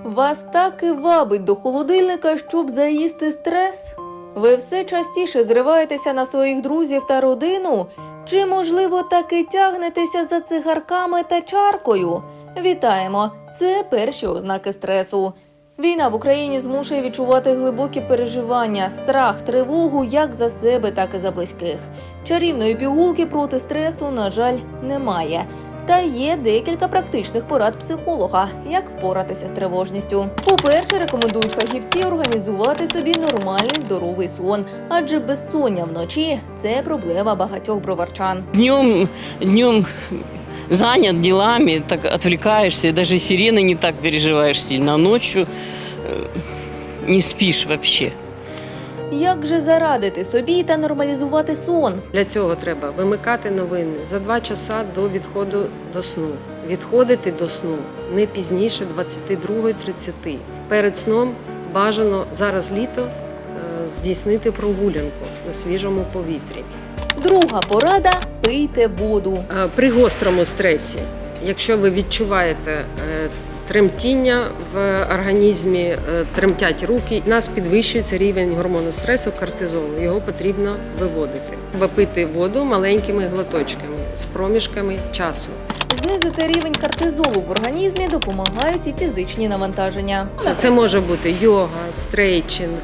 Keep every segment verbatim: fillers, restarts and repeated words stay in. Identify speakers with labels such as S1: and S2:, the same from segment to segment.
S1: Вас так і вабить до холодильника, щоб заїсти стрес? Ви все частіше зриваєтеся на своїх друзів та родину? Чи, можливо, таки тягнетеся за цигарками та чаркою? Вітаємо! Це перші ознаки стресу. Війна в Україні змушує відчувати глибокі переживання, страх, тривогу як за себе, так і за близьких. Чарівної пігулки проти стресу, на жаль, немає. Та є декілька практичних порад психолога, як впоратися з тривожністю. По-перше, рекомендують фахівці організувати собі нормальний здоровий сон, адже безсоння вночі – це проблема багатьох броварчан.
S2: Днем, днем занят делами, так отвлекаешься, даже сирены не так переживаешь сильно, а ночью не спишь вообще.
S1: Як же зарадити собі та нормалізувати сон?
S3: Для цього треба вимикати новини за два часа до відходу до сну. Відходити до сну не пізніше двадцять два тридцять. Перед сном бажано, зараз літо, здійснити прогулянку на свіжому повітрі.
S1: Друга порада – пийте воду.
S3: При гострому стресі, якщо ви відчуваєте тремтіння в організмі, тремтять руки, у нас підвищується рівень гормону стресу кортизолу, його потрібно виводити. Випити воду маленькими глоточками з проміжками часу.
S1: Знизити рівень кортизолу в організмі допомагають і фізичні навантаження.
S3: Це може бути йога, стрейчинг,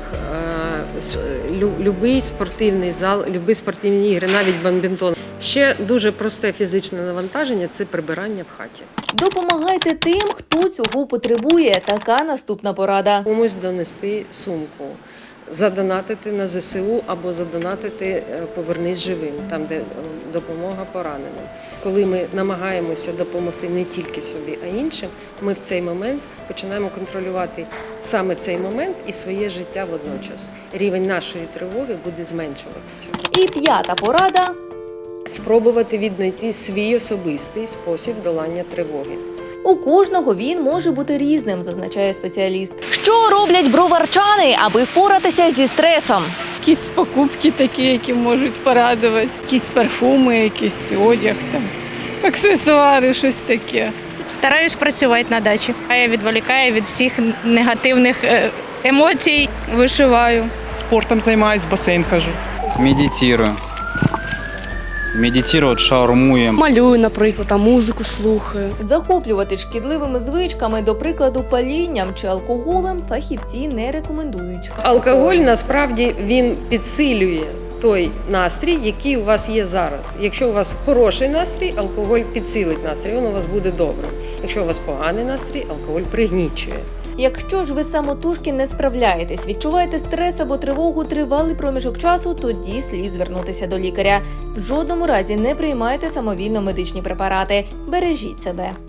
S3: любий спортивний зал, любі спортивні ігри, навіть бадмінтон. Ще дуже просте фізичне навантаження – це прибирання в хаті.
S1: Допомагайте тим, хто цього потребує. Така наступна порада.
S3: Комусь донести сумку, задонатити на зе се у або задонатити «Повернись живим», там, де допомога пораненим. Коли ми намагаємося допомогти не тільки собі, а іншим, ми в цей момент починаємо контролювати саме цей момент і своє життя водночас. Рівень нашої тривоги буде зменшуватися.
S1: І п'ята порада –
S3: спробувати віднайти свій особистий спосіб долання тривоги.
S1: у кожного він може бути різним, зазначає спеціаліст. Що роблять броварчани, аби впоратися зі стресом?
S4: Якісь покупки такі, які можуть порадувати, якісь парфуми, якийсь одяг, там, аксесуари, щось таке.
S5: Стараюсь працювати на дачі, а я відволікаю від всіх негативних емоцій. Вишиваю.
S6: Спортом займаюсь, в басейн хожу.
S7: Медитирую. Медитувати, шаурмую.
S8: Малюю, наприклад, а музику слухаю.
S1: Захоплювати шкідливими звичками, до прикладу, палінням чи алкоголем, фахівці не рекомендують.
S3: Алкоголь, насправді, він підсилює той настрій, який у вас є зараз. Якщо у вас хороший настрій, алкоголь підсилить настрій, він у вас буде добрим. Якщо у вас поганий настрій, алкоголь пригнічує.
S1: Якщо ж ви самотужки не справляєтесь, відчуваєте стрес або тривогу тривалий проміжок часу, тоді слід звернутися до лікаря. В жодному разі не приймайте самовільно медичні препарати. Бережіть себе.